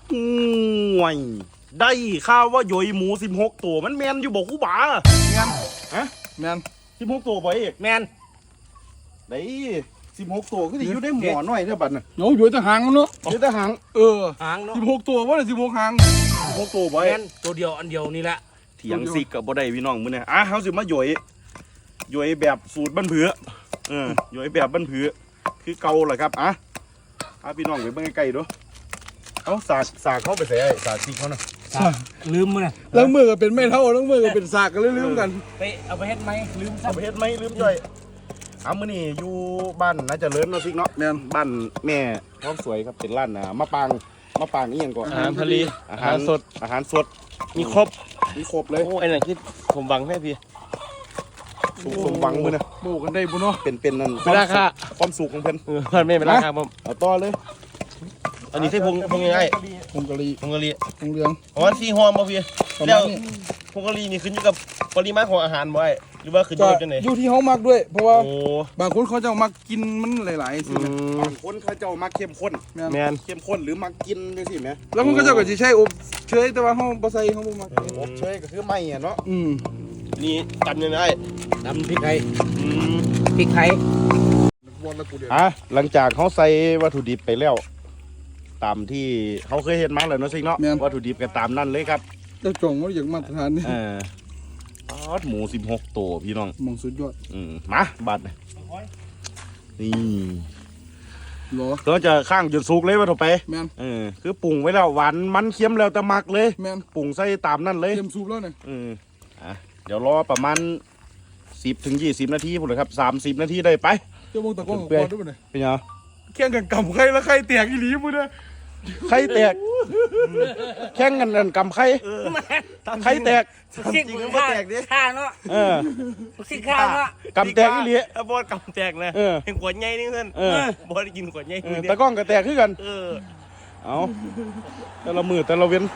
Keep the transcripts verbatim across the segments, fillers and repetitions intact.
ห่วยได้ข่าวว่าโยยหมูสิบหกตัวมันแมนอยู่บอกกูบ้าแมนฮะแมนสิบหกตัวบ่เอกแมนได้สิบหกตัวก็สิอยู่ได้หมอหน่อยเท่าบัดน่ะโอ้ยอยู่แต่หางเนาะอยู่แต่หางเออหางเนาะสิบหกตัวว่าเลยสิบหกหางสิบหกตัวบ่แมนตัวเดียวอันเดียวนี่แหละเถียงซิกกับบ่ได้พี่น้องมื้อนี้อ่ะเฮาสิมาโยยโยยแบบสูตรบ้านเผือเออโยยแบบบ้านเผือคือเก่าแหละครับอ่ะอ่ะพี่น้องไปเบิ่งใกล้ๆดูเอาสากสากเข้าไปใส่ไอ้สากซิกเขาน่ะลืมมั้ยแล้วมือก็เป็นไม่เท่าแล้วมือก็เป็นสากกันลืมกันไปเอาไปเฮ็ดไหมลืมเอาไปเฮ็ดไหมลืมจ่อยเอามื้อนี้อยู่บ้านน่าจะเลิศเนาะซิกเนาะแม่นบ้านแม่ท้องสวยครับเป็นร้านอ่ามะปางมะปางอีหยังก่อนอาหารทะเลอาหารสดอาหารสดมีครบมีครบเลยโอ้ไอ้นั่นคือผมบังแม่พี่สุขสมหวังมื้อนะโบกันได้บุญเนาะเป็นเป็นนั่นเป็นราคาความสุขของเพิ่นเออเพิ่นไม่เป็นราคาผมเอาต่อเลยอันนี้ใช่พงพงยังไงพงกะลีพงกะลีพงเหลืองอ๋อซีฮอมบ่พี่แล้วพงกะลีนี่ขึ้นอยู่กับปริมาณของอาหาบ่ไอ้หรือว่าขึ้นอยู่กับจังได๋อยู่ที่เฮามักด้วยเพราะว่าโอ้บางคนเขาจะมักกินมันหลายๆสิบางคนเขาเจ้ามักเข้มข้นแม่นเข้มข้นหรือมักกินจังซี่แหมแล้วคนเขาเจ้าก็สิใช้อบเชยแต่ว่าเฮาบ่ใส่เฮาบ่มักอบเชยก็คือไม่อ่ะเนาะอืมนี่ตำยังไงตำพริกไทยอืมพริกไทยอ่ะหลังจากเขาใส่วัตถุดิบไปแล้วตามที่เขาเคยเห็นมาแล้วเนาะซิเนาะวัตถุดิบก็ตามนั่นเลยครับเจ้าจ่องว่าอย่างมาตรฐานนี่เออทอดหมูสิบหกตัวพี่น้องมองสุดยอดอืมมาบัดนี่หรอก็จะข้างจนสุกเลยว่าถูกไปแม่นเออคือปรุงไว้แล้วหวานมันเค็มแล้วแต่มักเลยแม่นปรุงใส่ตามนั่นเลยเค็มสุกแล้วเนี่ยอืมอ่ะเดี๋ยวรอประมาณสิบถึงยี่สิบนาทีพุ่นเลยครับสามสิบนาทีได้ไปเจ้ามองตะก้องก่อนด้วยเนี่ยเป็นยังแข่งกันกำไข่แล้วไข่แตกอีหลีมึงเนี่ยไข่แตกแข่งกันกันกำไข่ไข่แตกจริงมันแตกดิข้าเนาะเออสิข้าเนาะกำแตกอีหลีบอสกำแตกนะเห็นขวดใหญ่นี่เพื่อนบอสกินขวดใหญ่ตะก้องก็แตกขึ้นกันเออเอาแต่ละมือแต่ละเว้น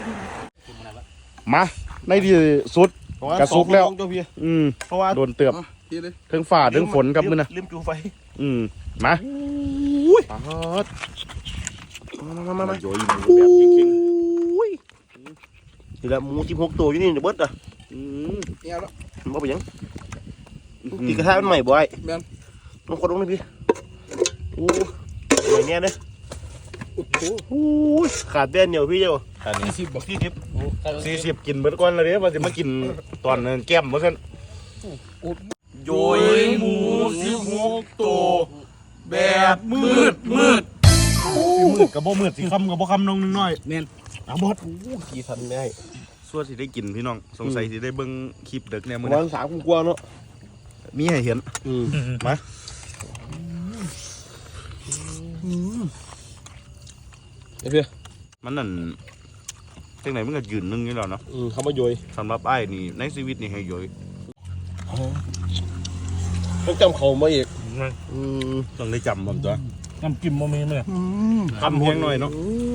มาในที่สุดกระซุกแล้วอืมเพราะว่าโดนเตือบถึงฝ่าถึงฝนครับมึงนะลืมจูไฟอืมมาอุ้ยมามามาโยยหมูแบบจริงๆนี่แหละหมูสิบหกตัวอยู่นี่เดี๋ยวเบิดอ่ะอืมเนี่ยแล้วมันเป็นยังตีกระทะมันใหม่บ่อยแม่นต้องคนลงเลยพี่โอ้ใหม่เนี่ยเลยโอ้ยขาดเด่นเหนียวพี่เจ้าสี่สิบบอกสี่สิบสี่สิบกินเบิดก่อนเลยเนี่ยมันจะมากินตอนแก้มเมื่อกันโยยหมูสิบหกตัวแบบมืดมืดมืดกับบ่มืดสิคำกับบ่คำน้องนึงน้อยแม่นเอาบดขี่ทันได้ส่วนสิได้กินพี่น้องสงสัยสิได้เบิ่งคลิปเด็กเนี่ยมื้อนี้วันสามกว่าเนาะมีให้เห็นมาเดี๋ยวมันนั่นจังไหนมันก็ยืนนึงนี่แล้วเนาะเขามาโยยสำหรับไอ้นี่ในชีวิตนี่ให้โยยต้องจำเขามาอีกต้องได้จำผมตัวน้ำจิ้มโมเมนต์เลยคำเพียงหน่อยเนาะ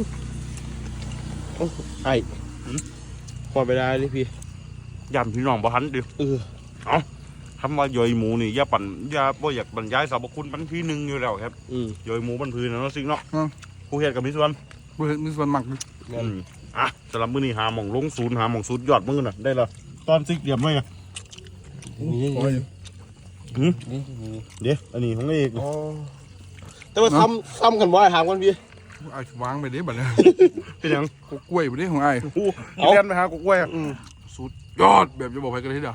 ไอ้พอไปได้เลยพี่ยำพี่น้องบ่ทันดิเออเอาคำว่าโยยหมูนี่อย่าปั่นอย่าบ่อยากบรรยายสรรพคุณมันที่หนึ่งอยู่แล้วครับโยยหมูบรรพื้นนะเนาะซิงเนาะผู้เฮ็ดกับมิสวนผู้เฮ็ดมิสวนมักอ่ะสำหรับมื้อนี้หาหม่องลงศูนย์หาหม่องศูนย์ยอดมื้อน่ะได้ละตอนซิกเดียมไว้อ่ะนี่นี่เดี๋ยวอันนี้ของเอกแต่ว่าซ้ำซ้ำกันบ่อยถามกันพี่ไอ้วางไปดิบัดนี้เป็นยังกล้วยไปดิของไอ้เอาเรียนไปหากล้วยสุดยอดแบบจะบอกใครกันทีเดียว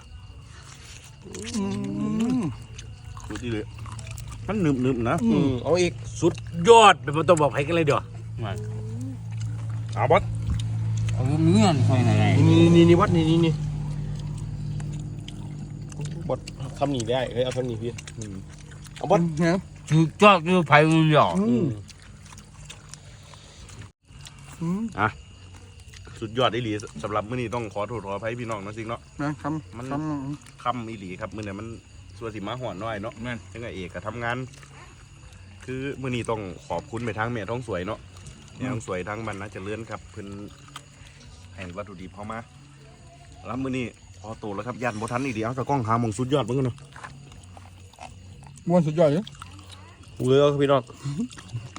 สุดที่เลยมันหนึบหนึบนะเอาอีกสุดยอดแบบมันต้องบอกใครกันเลยเดี๋ยวเอาบอสเอาเนื้อนี่นี่นี่นี่วัดนี่นี่นี่บอสทำหนีได้เฮ้ยเอาทำหนีพี่เอาบอสเนี่ยสุดยอดคือไผ่หยอดอ่ะสุดยอดอีหลีสำหรับมื้อนี้ต้องขอโทษขออภัยพี่น้องนะจริงเนาะนะครับมันคำอีหลีครับมื้อนี้มันส่วนสิมาหอนน้อยเนาะยังไงเอกก็ทำงานคือมื้อนี้ต้องขอบคุณไปทางแม่ท้องสวยเนาะแม่ท้องสวยทางบ้านนะเจริญครับเพิ่นให้วัตถุดิบเข้ามาแล้วมื้อนี้พอโตแล้วครับยันบ่ทันอีกเดียวตะกล้องหาหม่องสุดยอดเบิ่งกันเนาะม้วนสุดยอดเลยเลือกพี่น้อง